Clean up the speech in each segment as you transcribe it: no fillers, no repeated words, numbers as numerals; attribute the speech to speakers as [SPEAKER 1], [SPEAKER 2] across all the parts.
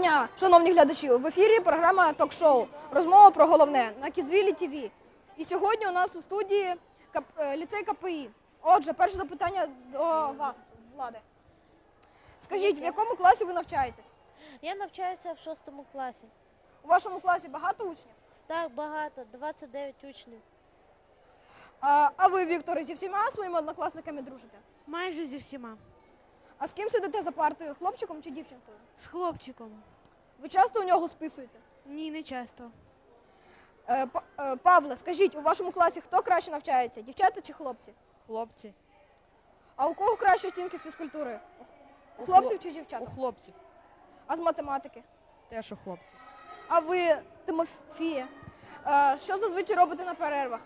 [SPEAKER 1] дня, шановні глядачі! В ефірі програма «Ток-шоу. Розмова про головне» на Кідзвілі ТВ. І сьогодні у нас у студії ліцей КПІ. Отже, перше запитання до вас, Влади. Скажіть, в якому класі ви навчаєтесь?
[SPEAKER 2] Я навчаюся в 6 класі.
[SPEAKER 1] У вашому класі багато учнів?
[SPEAKER 2] Так, багато, 29 учнів.
[SPEAKER 1] А ви, Вікторе, зі всіма своїми однокласниками дружите?
[SPEAKER 3] Майже зі всіма.
[SPEAKER 1] А з ким сидите за партою, хлопчиком чи дівчинкою?
[SPEAKER 3] З хлопчиком.
[SPEAKER 1] Ви часто у нього списуєте?
[SPEAKER 3] Ні, не часто.
[SPEAKER 1] Павле, скажіть, у вашому класі хто краще навчається, дівчата чи хлопці?
[SPEAKER 4] Хлопці.
[SPEAKER 1] А у кого кращі оцінки з фізкультури? У хлопців чи дівчат?
[SPEAKER 4] У хлопців.
[SPEAKER 1] А з математики?
[SPEAKER 4] Теж у хлопців.
[SPEAKER 1] А ви, Тимофія, що зазвичай робите на перервах?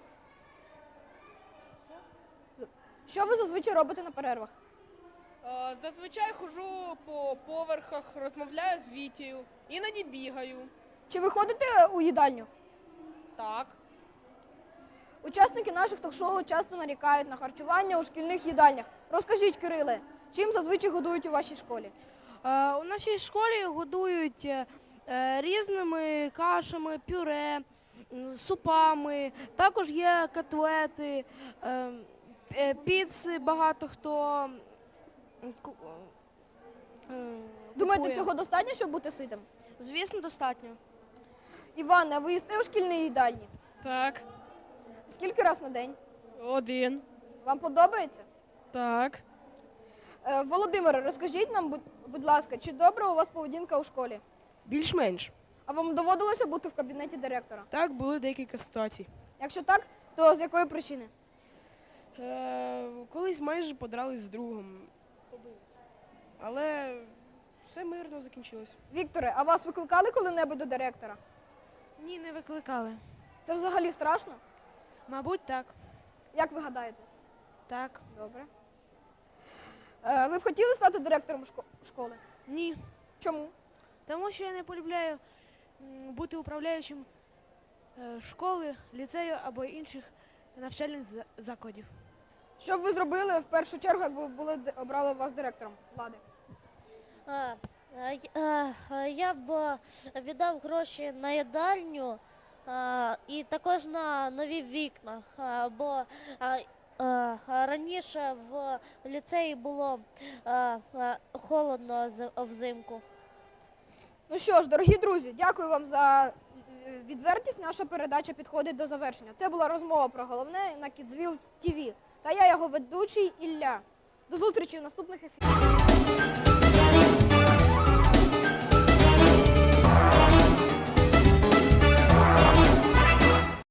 [SPEAKER 1] Що ви зазвичай робите на перервах?
[SPEAKER 5] Зазвичай ходжу по поверхах, розмовляю з Вітєю, іноді бігаю.
[SPEAKER 1] Чи ви ходите у їдальню?
[SPEAKER 5] Так.
[SPEAKER 1] Учасники наших ток-шоу часто нарікають на харчування у шкільних їдальнях. Розкажіть, Кириле, чим зазвичай годують у вашій школі?
[SPEAKER 3] У нашій школі годують різними кашами, пюре, супами. Також є котлети, піци багато хто.
[SPEAKER 1] Думаєте,
[SPEAKER 3] купує.
[SPEAKER 1] цього достатньо, щоб бути ситим?
[SPEAKER 3] Звісно, достатньо.
[SPEAKER 1] Іване, а ви їсте у шкільній їдальні?
[SPEAKER 5] Так.
[SPEAKER 1] Скільки раз на день?
[SPEAKER 5] Один.
[SPEAKER 1] Вам подобається?
[SPEAKER 5] Так.
[SPEAKER 1] Володимире, розкажіть нам, будь ласка, чи добра у вас поведінка у школі?
[SPEAKER 6] Більш-менш.
[SPEAKER 1] А вам доводилося бути в кабінеті директора?
[SPEAKER 6] Так, були декілька ситуацій.
[SPEAKER 1] Якщо так, то з якої причини?
[SPEAKER 6] Колись майже подрались з другом. Але все мирно закінчилось.
[SPEAKER 1] Вікторе, а вас викликали коли-небудь до директора?
[SPEAKER 3] Ні, не викликали.
[SPEAKER 1] Це взагалі страшно?
[SPEAKER 3] Мабуть, так.
[SPEAKER 1] Як ви гадаєте?
[SPEAKER 3] Так.
[SPEAKER 1] Добре. Ви б хотіли стати директором школи?
[SPEAKER 3] Ні.
[SPEAKER 1] Чому?
[SPEAKER 3] Тому що я не полюбляю бути управляючим школи, ліцею або інших навчальних закладів.
[SPEAKER 1] Що б ви зробили в першу чергу, якби обрали вас директором влади?
[SPEAKER 2] Я б віддав гроші на їдальню і також на нові вікна, бо раніше в ліцеї було холодно взимку.
[SPEAKER 1] Ну що ж, дорогі друзі, дякую вам за відвертість. Наша передача підходить до завершення. Це була розмова про головне на Кідзвіл ТВ. Та я його ведучий Ілля. До зустрічі в наступних ефірах.